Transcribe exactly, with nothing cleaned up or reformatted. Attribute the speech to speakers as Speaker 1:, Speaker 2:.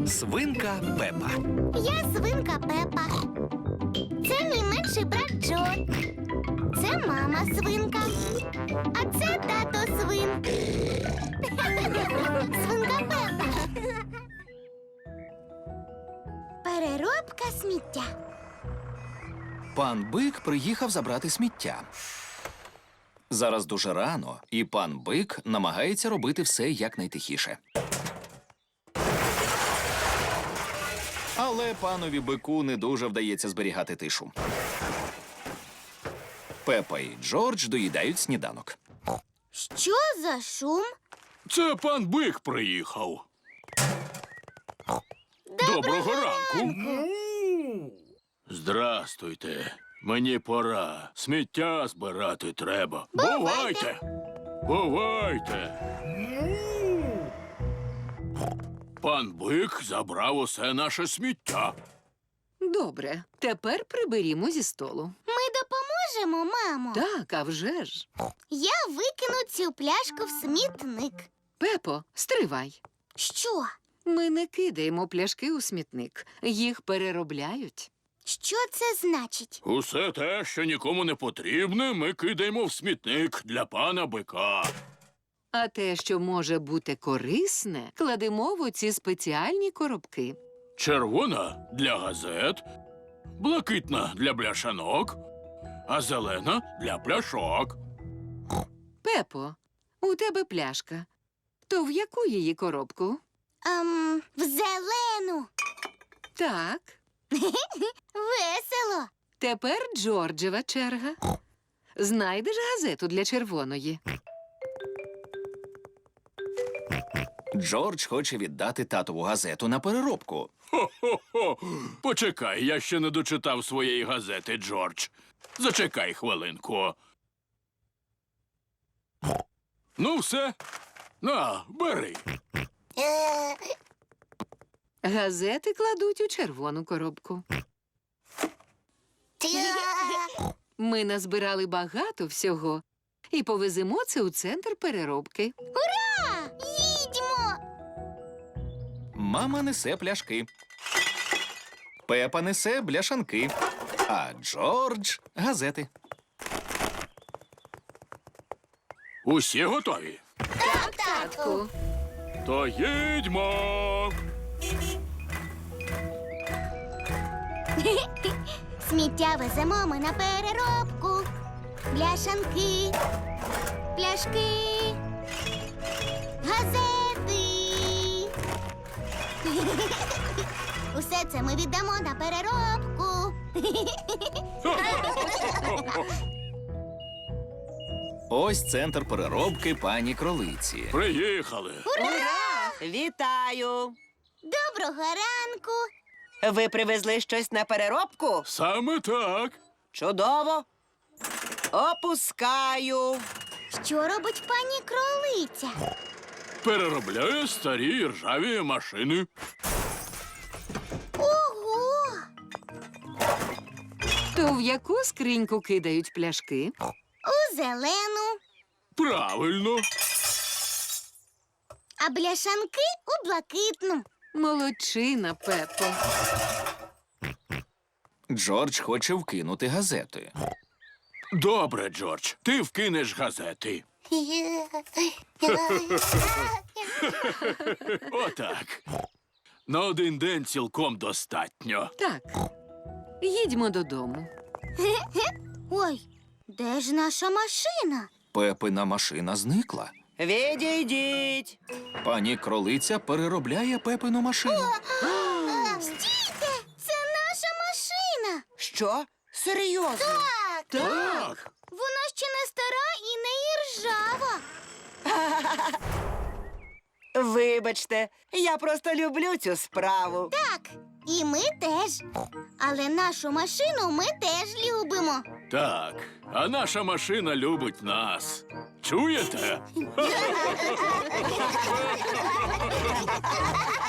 Speaker 1: Свинка Пепа.
Speaker 2: Я свинка Пепа. Це мій менший брат Джо. Це мама свинка. А це тато свин. Свинка Пепа. Переробка сміття.
Speaker 1: Пан Бик приїхав забрати сміття. Зараз дуже рано, і пан Бик намагається робити все якнайтихіше. Але панові Бику не дуже вдається зберігати тишу. Пепа і Джордж доїдають сніданок.
Speaker 2: Що за шум?
Speaker 3: Це пан Бик приїхав. Доброго ранку. Здрастуйте. Мені пора. Сміття збирати треба. Бувайте. Бувайте. Пан Бик забрав усе наше сміття.
Speaker 4: Добре, тепер приберімо зі столу.
Speaker 2: Ми допоможемо, мамо.
Speaker 4: Так, а вже ж.
Speaker 2: Я викину цю пляшку в смітник.
Speaker 4: Пепо, стривай.
Speaker 2: Що?
Speaker 4: Ми не кидаємо пляшки у смітник. Їх переробляють.
Speaker 2: Що це значить?
Speaker 3: Усе те, що нікому не потрібне, ми кидаємо в смітник для пана Бика.
Speaker 4: А те, що може бути корисне, кладемо в оці спеціальні коробки.
Speaker 3: Червона – для газет, блакитна – для бляшанок, а зелена – для пляшок.
Speaker 4: Пепо, у тебе пляшка. То в яку її коробку?
Speaker 2: Ем, в зелену.
Speaker 4: Так.
Speaker 2: Весело.
Speaker 4: Тепер Джорджева черга. Знайдеш газету для червоної.
Speaker 1: Джордж хоче віддати татову газету на переробку.
Speaker 3: Хо-хо-хо! Почекай, я ще не дочитав своєї газети, Джордж. Зачекай хвилинку. Ну, все. На, бери.
Speaker 4: Газети кладуть у червону коробку. Ми назбирали багато всього і повеземо це у центр переробки.
Speaker 2: Ура! Їдьмо!
Speaker 1: Мама несе пляшки. Пепа несе бляшанки. А Джордж – газети.
Speaker 3: Усі готові?
Speaker 2: Так, татку.
Speaker 3: То їдьмо!
Speaker 2: Сміття веземо ми на переробку. Бляшанки, пляшки, газети. Усе це ми віддамо на переробку.
Speaker 1: Ось центр переробки пані Кролиці.
Speaker 3: Приїхали.
Speaker 5: Ура! Вітаю!
Speaker 2: Доброго ранку.
Speaker 5: Ви привезли щось на переробку?
Speaker 3: Саме так.
Speaker 5: Чудово! Опускаю.
Speaker 2: Що робить пані Кролиця?
Speaker 3: Переробляє старі ржаві машини.
Speaker 2: Ого!
Speaker 4: То в яку скриньку кидають пляшки?
Speaker 2: У зелену,
Speaker 3: Правильно.
Speaker 2: а бляшанки у блакитну.
Speaker 4: Молодчина, Пепо.
Speaker 1: Джордж хоче вкинути газети.
Speaker 3: Добре, Джордж, ти вкинеш газети. Отак. На один день цілком достатньо.
Speaker 4: Так, їдьмо додому.
Speaker 2: Ой, де ж наша машина?
Speaker 1: Пепина машина зникла.
Speaker 5: Відійдіть.
Speaker 1: Пані Кролиця переробляє Пепину машину.
Speaker 2: Стійте! Це наша машина!
Speaker 5: Що? Серйозно?
Speaker 2: Так!
Speaker 3: Так.
Speaker 2: Вона ще не стара і не іржава.
Speaker 5: Вибачте, я просто люблю цю справу.
Speaker 2: Так, і ми теж. Але нашу машину ми теж любимо.
Speaker 3: Так, а наша машина любить нас. Чуєте?